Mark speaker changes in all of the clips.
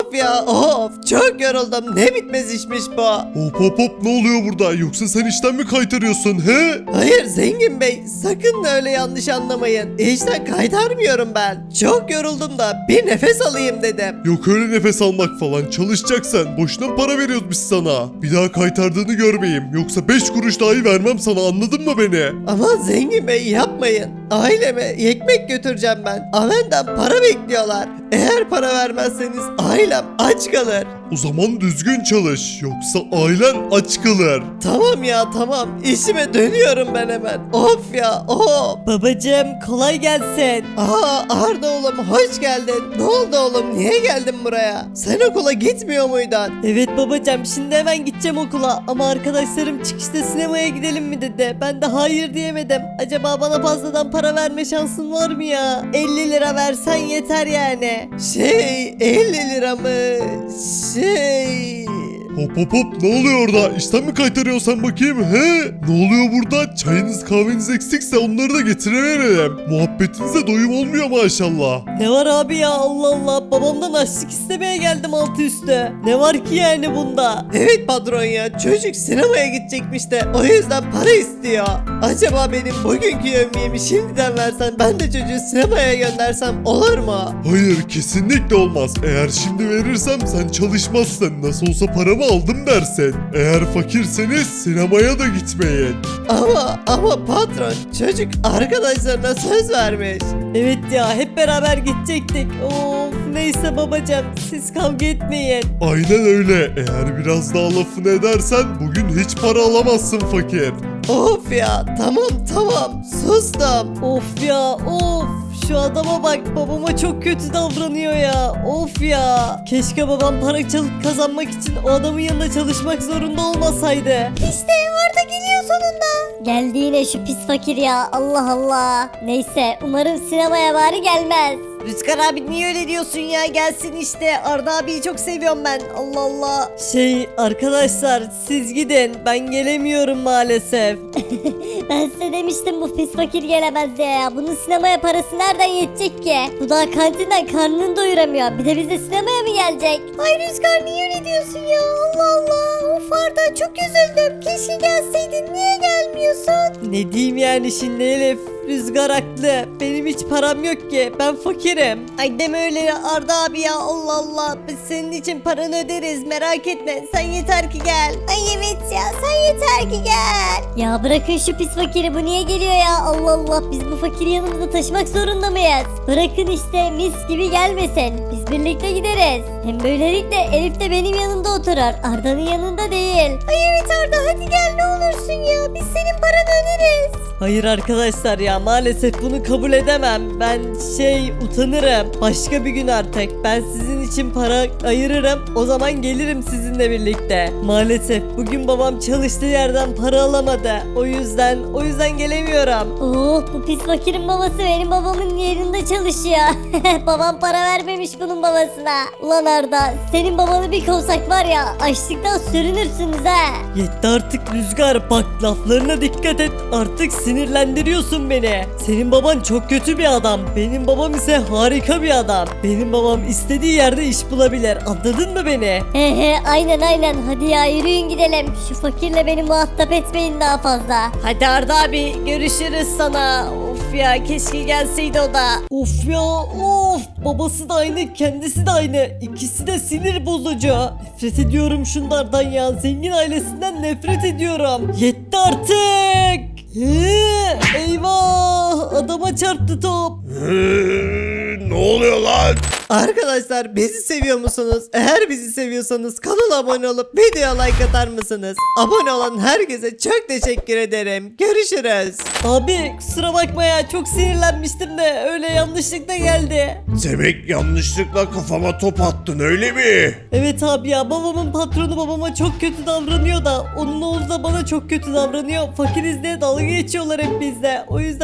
Speaker 1: Of ya of, çok yoruldum, ne bitmez işmiş bu.
Speaker 2: Hop hop hop, ne oluyor burada? Yoksa sen işten mi kaytarıyorsun he?
Speaker 1: Hayır zengin bey, sakın öyle yanlış anlamayın. İşten kaytarmıyorum ben. Çok yoruldum da bir nefes alayım dedim.
Speaker 2: Yok öyle nefes almak falan, çalışacaksan. Boşuna para veriyoruz biz sana. Bir daha kaytardığını görmeyeyim. Yoksa 5 kuruş dahi vermem sana, anladın mı beni?
Speaker 1: Ama zengin bey yapmayın. Aileme ekmek götüreceğim ben. Benden para bekliyorlar. Eğer para vermezseniz ailem aç kalır.
Speaker 2: O zaman düzgün çalış. Yoksa ailen aç kalır.
Speaker 1: Tamam ya tamam. İşime dönüyorum ben hemen. Of ya of.
Speaker 3: Babacım kolay gelsin.
Speaker 1: Arda oğlum hoş geldin. Ne oldu oğlum? Niye geldin buraya? Sen okula gitmiyor muydun?
Speaker 3: Evet babacım şimdi hemen gideceğim okula ama arkadaşlarım çıkışta sinemaya gidelim mi dedi. Ben de hayır diyemedim. Acaba bana fazladan para verme şansın var mı ya? 50 lira versen yeter yani.
Speaker 1: 50 lira mı?
Speaker 2: Hop hop hop, ne oluyor orada? İşten mi kaytarıyorsun sen bakayım he? Ne oluyor burada? Çayınız kahveniz eksikse onları da getireverelim. Muhabbetinize doyum olmuyor maşallah.
Speaker 3: Ne var abi ya Allah Allah babamdan açlık istemeye geldim altı üstü. Ne var ki yani bunda?
Speaker 1: Evet patron ya, çocuk sinemaya gidecekmiş de o yüzden para istiyor. Acaba benim bugünkü yemeğimi şimdiden versen, ben de çocuğu sinemaya göndersem olur mu?
Speaker 2: Hayır, kesinlikle olmaz. Eğer şimdi verirsem sen çalışmazsın. Nasıl olsa paramı aldım dersin. Eğer fakirseniz sinemaya da gitmeyin.
Speaker 1: Ama patron, çocuk arkadaşlarına söz vermiş.
Speaker 3: Evet ya hep beraber gidecektik. Of neyse babacım siz kavga etmeyin.
Speaker 2: Aynen öyle. Eğer biraz daha lafını edersen bugün hiç para alamazsın fakir.
Speaker 1: Of ya tamam sustum.
Speaker 3: Of ya of. Şu adama bak babama çok kötü davranıyor ya. Of ya. Keşke babam para çalıp kazanmak için o adamın yanında çalışmak zorunda olmasaydı.
Speaker 4: İşte Arda geliyor sonunda. Geldi yine şu pis fakir ya. Allah Allah. Neyse umarım sinemaya bari gelmez.
Speaker 3: Rüzgar abi niye öyle diyorsun ya? Gelsin işte. Arda abiyi çok seviyorum ben. Allah Allah. Arkadaşlar siz gidin. Ben gelemiyorum maalesef.
Speaker 4: Ben size demiştim bu pis fakir gelemez diye ya. Bunun sinemaya parası nereden yetecek ki? Bu daha kantinden karnını doyuramıyor. Bir de bize sinemaya mı gelecek? Ay Rüzgar niye öyle diyorsun ya? Allah Allah. Of Arda çok üzüldüm. Keşke gelseydin. Niye gelmiyorsun?
Speaker 3: Ne diyeyim yani şimdi Elif? Rüzgar haklı. Benim hiç param yok ki. Ben fakirim. Ay deme öyle Arda abi ya. Allah Allah. Biz senin için paranı öderiz. Merak etme. Sen yeter ki gel.
Speaker 4: Ay evet ya sen yeter ki gel. Ya bırakın şu pis fakiri, bu niye geliyor ya? Allah Allah, biz bu fakiri yanımızda taşımak zorunda mıyız? Bırakın işte, mis gibi gelmesin. Biz birlikte gideriz. Hem böylelikle Elif de benim yanımda oturur. Arda'nın yanında değil. Ay evet Arda, hadi gel ne olursun ya. Biz senin paranı öderiz.
Speaker 3: Hayır arkadaşlar ya maalesef bunu kabul edemem. Ben utanırım. Başka bir gün artık. Ben sizin için para ayırırım. O zaman gelirim sizinle birlikte. Maalesef bugün babam çalıştığı yerden para alamadı. O yüzden gelemiyorum.
Speaker 4: Oh, bu pis fakirin babası benim babamın yerinde çalışıyor. Babam para vermemiş bunun babasına. Ulan Arda, senin babanı bir kovsak var ya, açlıktan sürünürsünüz ha.
Speaker 3: Yetti artık Rüzgar, bak laflarına dikkat et, artık sinirlendiriyorsun beni. Senin baban çok kötü bir adam, benim babam ise harika bir adam. Benim babam istediği yerde iş bulabilir, anladın mı beni?
Speaker 4: He aynen, hadi ya yürüyün gidelim. Şu fakirle beni muhatap etmeyin daha fazla.
Speaker 3: Hadi Arda abi, görüşürüz sana. Of ya, keşke gelseydi o da. Of ya of, babası da aynı, kendisi de aynı, ikisi de sinir bozucu. Nefret ediyorum şunlardan ya, zengin ailesinden nefret ediyorum. Yetti artık. Eyvah, adama çarptı top.
Speaker 2: Ne oluyor lan?
Speaker 1: Arkadaşlar bizi seviyor musunuz? Eğer bizi seviyorsanız kanala abone olup videoya like atar mısınız? Abone olan herkese çok teşekkür ederim. Görüşürüz.
Speaker 3: Abi kusura bakma ya, çok sinirlenmiştim de öyle yanlışlıkla geldi.
Speaker 2: Demek yanlışlıkla kafama top attın öyle mi?
Speaker 3: Evet abi ya, babamın patronu babama çok kötü davranıyor da onun oğlu da bana çok kötü davranıyor. Fakiriz diye dalga geçiyorlar hep bizde. O yüzden çok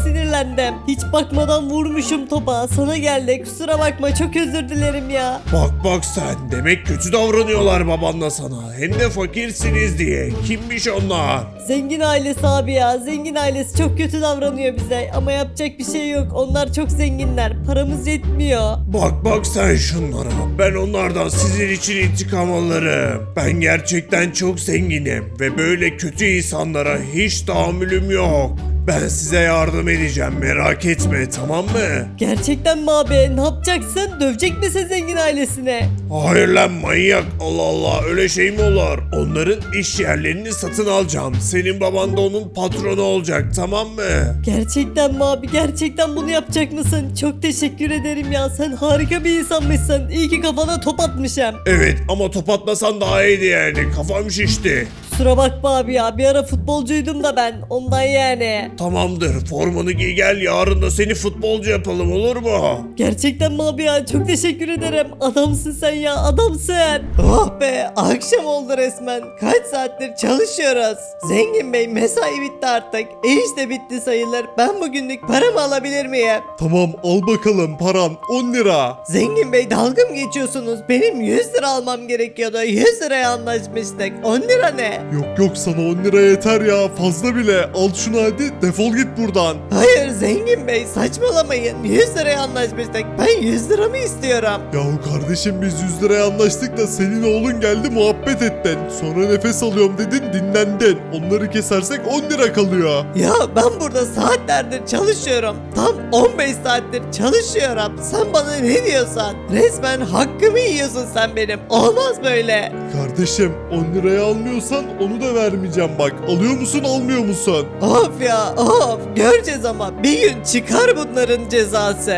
Speaker 3: sinirlendim. Hiç bakmadan vurmuşum topa. Sana geldi. Kusura bakma, çok özür dilerim ya.
Speaker 2: Bak sen, demek kötü davranıyorlar babanla sana. Hem de fakirsiniz diye. Kimmiş onlar?
Speaker 3: Zengin ailesi abi ya. Zengin ailesi çok kötü davranıyor bize. Ama yapacak bir şey yok. Onlar çok zenginler. Paramız yetmiyor.
Speaker 2: Bak sen şunlara. Ben onlardan sizin için intikam alırım. Ben gerçekten çok zenginim ve böyle kötü insanlara hiç tahammülüm yok. Ben size yardım edeceğim, merak etme, tamam mı?
Speaker 3: Gerçekten mi abi? Ne yapacaksın? Dövecek misin zengin ailesine?
Speaker 2: Hayır lan manyak, Allah Allah, öyle şey mi olur? Onların iş yerlerini satın alacağım. Senin baban da onun patronu olacak, tamam mı?
Speaker 3: Gerçekten mi abi? Gerçekten bunu yapacak mısın? Çok teşekkür ederim ya. Sen harika bir insanmışsın. İyi ki kafana top atmışım.
Speaker 2: Evet ama top atmasan daha iyiydi yani, kafam şişti.
Speaker 3: Kusura bakma abi ya. Bir ara futbolcuydum da ben. Ondan yani.
Speaker 2: Tamamdır, formanı giy gel, yarın da seni futbolcu yapalım, olur mu?
Speaker 3: Gerçekten mi abi ya? Çok teşekkür ederim. Adamsın sen ya. Adamsın.
Speaker 1: Oh be, akşam oldu resmen. Kaç saattir çalışıyoruz. Zengin bey, mesai bitti artık. İş de bitti sayılır. Ben bugünlük paramı alabilir miyim?
Speaker 2: Tamam, al bakalım paran, 10 lira.
Speaker 1: Zengin bey, dalga mı geçiyorsunuz? Benim 100 lira almam gerekiyordu. 100 liraya anlaşmıştık. 10 lira ne?
Speaker 2: Yok sana 10 lira yeter ya, fazla bile. Al şunu hadi, defol git buradan.
Speaker 1: Hayır zengin bey, saçmalamayın. 100 liraya anlaşmıştık. Ben 100 lira mı istiyorum?
Speaker 2: Yahu kardeşim, biz 100 liraya anlaştık da senin oğlun geldi muhabbet ettin. Sonra nefes alıyorum dedin, dinlendin. Onları kesersek 10 lira kalıyor.
Speaker 1: Ya ben burada saatlerdir çalışıyorum. Tam 15 saattir çalışıyorum. Sen bana ne diyorsan? Resmen hakkımı yiyorsun sen benim. Olmaz böyle.
Speaker 2: Kardeşim 10 liraya almıyorsan onu da vermeyeceğim bak. Alıyor musun, almıyor musun?
Speaker 1: Of ya of. Göreceğiz ama bir gün çıkar bunların cezası.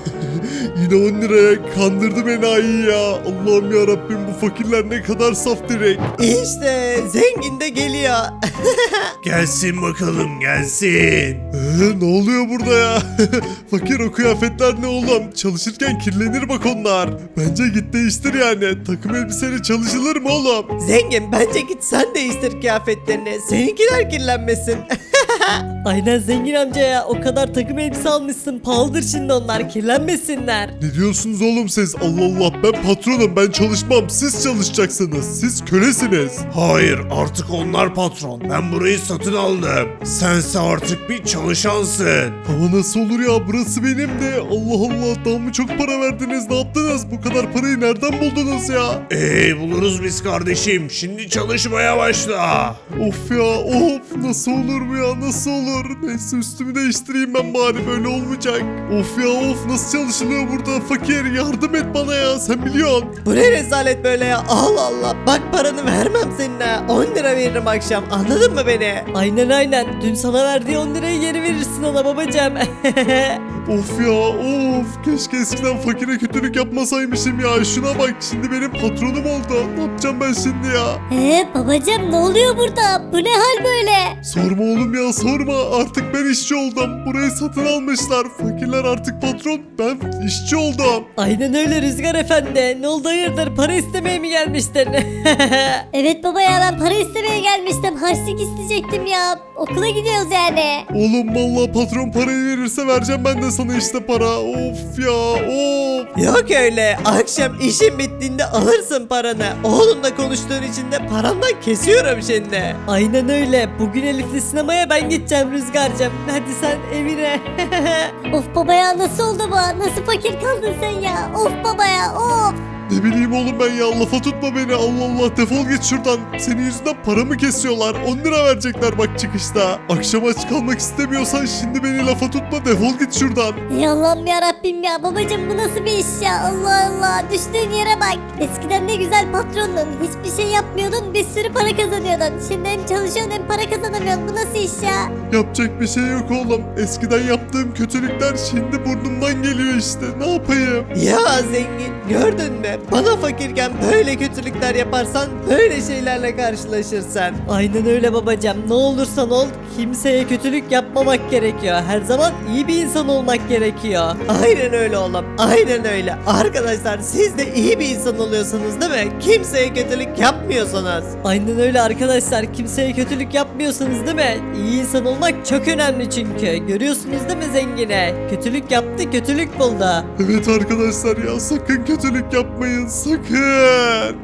Speaker 2: Yine 10 liraya kandırdım enayi ya. Allah'ım ya Rabbim, bu fakirler ne kadar saf direkt.
Speaker 1: İşte zengin de geliyor.
Speaker 2: Gelsin bakalım, gelsin. Ne oluyor burada ya? Fakir, o kıyafetler ne oğlum? Çalışırken kirlenir bak onlar. Bence git değiştir yani. Takım elbiseyle çalışılır mı oğlum?
Speaker 1: Zengin, bence git sen değiştir kıyafetlerini. Seninkiler kirlenmesin.
Speaker 3: Aynen zengin amca ya. O kadar takım elbise almışsın. Pahalıdır şimdi onlar. Kirlenmesinler.
Speaker 2: Ne diyorsunuz oğlum siz? Allah Allah, ben patronum, ben çalışmam. Siz çalışacaksınız. Siz kölesiniz. Hayır, artık onlar patron. Ben burayı satın aldım. Sense artık bir çalışansın. Ama nasıl olur ya? Burası benim de. Allah Allah, daha mı çok para verdiniz? Ne yaptınız? Bu kadar parayı nereden buldunuz ya? Buluruz biz kardeşim. Şimdi çalışmaya başla. Of ya of. Nasıl olur bu ya? Nasıl olur? Neyse, üstümü değiştireyim ben bari, böyle olmayacak. Of ya of, nasıl çalışılıyor burada? Fakir, yardım et bana ya, sen biliyorsun.
Speaker 1: Bu ne rezalet böyle ya? Allah Allah. Bak, paranı vermem seninle. 10 lira veririm akşam. Anladın mı beni?
Speaker 3: Aynen. Dün sana verdiği 10 lirayı geri verirsin ona babacığım.
Speaker 2: Of ya of, keşke eskiden fakire kötülük yapmasaymışım ya. Şuna bak, şimdi benim patronum oldu. Ne yapacağım ben şimdi ya?
Speaker 4: Babacım ne oluyor burada? Bu ne hal böyle?
Speaker 2: Sorma oğlum ya, sorma. Artık ben işçi oldum. Burayı satın almışlar. Fakirler artık patron, ben işçi oldum.
Speaker 3: Aynen öyle Rüzgar Efendi. Ne oldu, hayırdır? Para istemeye mi gelmiştin?
Speaker 4: Evet baba ya, ben para istemeye gelmiştim. Harçlık isteyecektim ya. Okula gidiyoruz yani.
Speaker 2: Oğlum vallahi patron parayı verirse vereceğim ben de sana işte para. Of ya of.
Speaker 1: Yok öyle. Akşam işin bittiğinde alırsın paranı. Oğlumla konuştuğun için de parandan kesiyorum şimdi.
Speaker 3: Aynen öyle. Bugün Elif'le sinemaya ben gideceğim Rüzgar'cığım. Hadi sen evine.
Speaker 4: Of baba ya, nasıl oldu bu? Nasıl fakir kaldın sen ya? Of baba ya of.
Speaker 2: Ne bileyim oğlum ben ya, lafa tutma beni. Allah Allah, defol git şuradan. Senin yüzünden paramı kesiyorlar. 10 lira verecekler bak çıkışta. Akşam aç kalmak istemiyorsan şimdi beni lafa tutma, defol git şuradan.
Speaker 4: Ey Allah'ım ya Rabbim ya, babacım bu nasıl bir iş ya? Allah Allah, düştüğün yere bak. Eskiden ne güzel patrondun. Hiçbir şey yapmıyordun, bir sürü para kazanıyordun. Şimdi hem çalışıyorsun hem para kazanamıyorsun. Bu nasıl iş ya?
Speaker 2: Yapacak bir şey yok oğlum. Eskiden yaptığım kötülükler şimdi burnumdan geliyor işte. Ne yapayım?
Speaker 1: Ya zengin, Gördün mü? Bana fakirken böyle kötülükler yaparsan böyle şeylerle karşılaşırsın.
Speaker 3: Aynen öyle babacığım. Ne olursan ol kimseye kötülük yapmamak gerekiyor. Her zaman iyi bir insan olmak gerekiyor.
Speaker 1: Aynen öyle oğlum. Aynen öyle. Arkadaşlar siz de iyi bir insan oluyorsunuz değil mi? Kimseye kötülük yapmıyorsunuz.
Speaker 3: Aynen öyle arkadaşlar. Kimseye kötülük yapmıyorsunuz değil mi? İyi insan olmak çok önemli çünkü. Görüyorsunuz değil mi zengine? Kötülük yaptı, kötülük buldu.
Speaker 2: Evet arkadaşlar ya sakın kötülük yapmayın sakın.